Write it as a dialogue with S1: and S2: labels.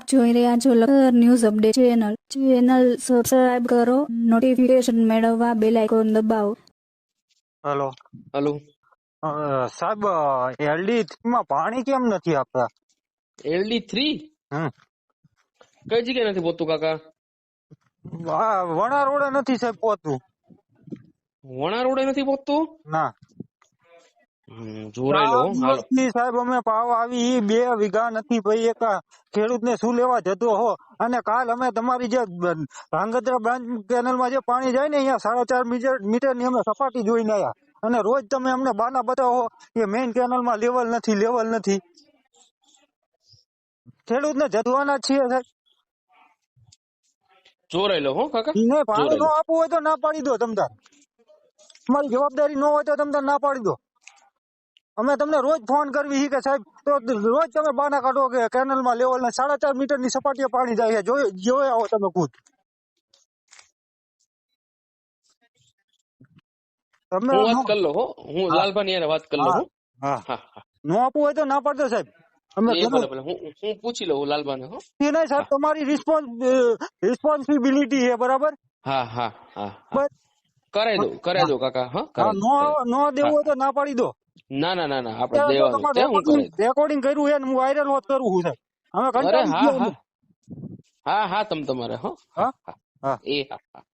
S1: આપ જોઈ રહ્યા છો Lakhtar news update channel subscribe કરો, નોટિફિકેશન મેળવવા બેલ આઇકોન દબાવો.
S2: હેલો
S3: હાલો.
S2: સાહેબ, એલડી માં પાણી કેમ નથી આપતા?
S3: LD3
S2: હમ
S3: કઈ જગ્યાએ નથી પહોંચતું કાકા?
S2: વણા રોડે નથી સાહેબ પહોંચતું.
S3: વણા રોડે નથી પહોંચતું?
S2: ના,
S3: જોરાઈ લો હાલો.
S2: સાહેબ અમે પાવ આવી ઈ 2 વીઘા નથી ભાઈ. એક ખેડૂત ને શું લેવા જતો હો. અને કાલ અમે તમારી જે ધાંગધ્રા બ્રાન્ચ કેનલ માં જે પાણી જાય ને અહીંયા 4.5 મીટર ની અમે સપાટી જોઈને આયા. અને રોજ તમે અમને બાના બતાવો કે મેઇન કેનલ માં લેવલ નથી. ખેડૂત ને જતવાના જ છીએ સાહેબ.
S3: જોરાઈ લો હો કાકા.
S2: ને પાણી
S3: જોરાઈ
S2: નો
S3: લો.
S2: આપવું હોય તો ના પાડી દો. તમતાર તમારી જવાબદારી ન હોય તો તમતાર ના પાડી દો. અમે તમને રોજ ફોન કરવી કે સાહેબ, તો રોજ તમે બાના કાઢો કે કેનલ માં લેવલ ને 4.5 મીટર ની સપાટીએ પાણી જાય છે. જોયા આવો તમે ખુદ. તમે
S3: હું વાત કરી લો હો. હું લાલભાઈ યાર વાત કરી લો હો.
S2: હા,
S3: હા હા.
S2: નો આપવું હોય તો ના પાડજો સાહેબ. અમે
S3: એ ભલે ભલે હું પૂછી લઉં લાલભાઈ હો.
S2: નહીં સાહેબ, તમારી રિસ્પોન્સિબિલિટી છે, બરાબર?
S3: હા હા હા હા.
S2: બસ
S3: કરાઈ દો કાકા. હા
S2: હા,
S3: કરાઈ
S2: નો દેવું હોય તો ના પાડી દો.
S3: ના ના ના ના આપણે દેવાનું છે. હું કરાઈ દઉં.
S2: રેકોર્ડિંગ કર્યું છે ને હું વાયરલ હોત કરું છું સાહેબ. અમે
S3: અરે
S2: કંટાળી
S3: હા
S2: ગયા
S3: હા
S2: અમે.
S3: હા હા તમારે હો.
S2: હા
S3: હા
S2: હા.
S3: એ હા હા.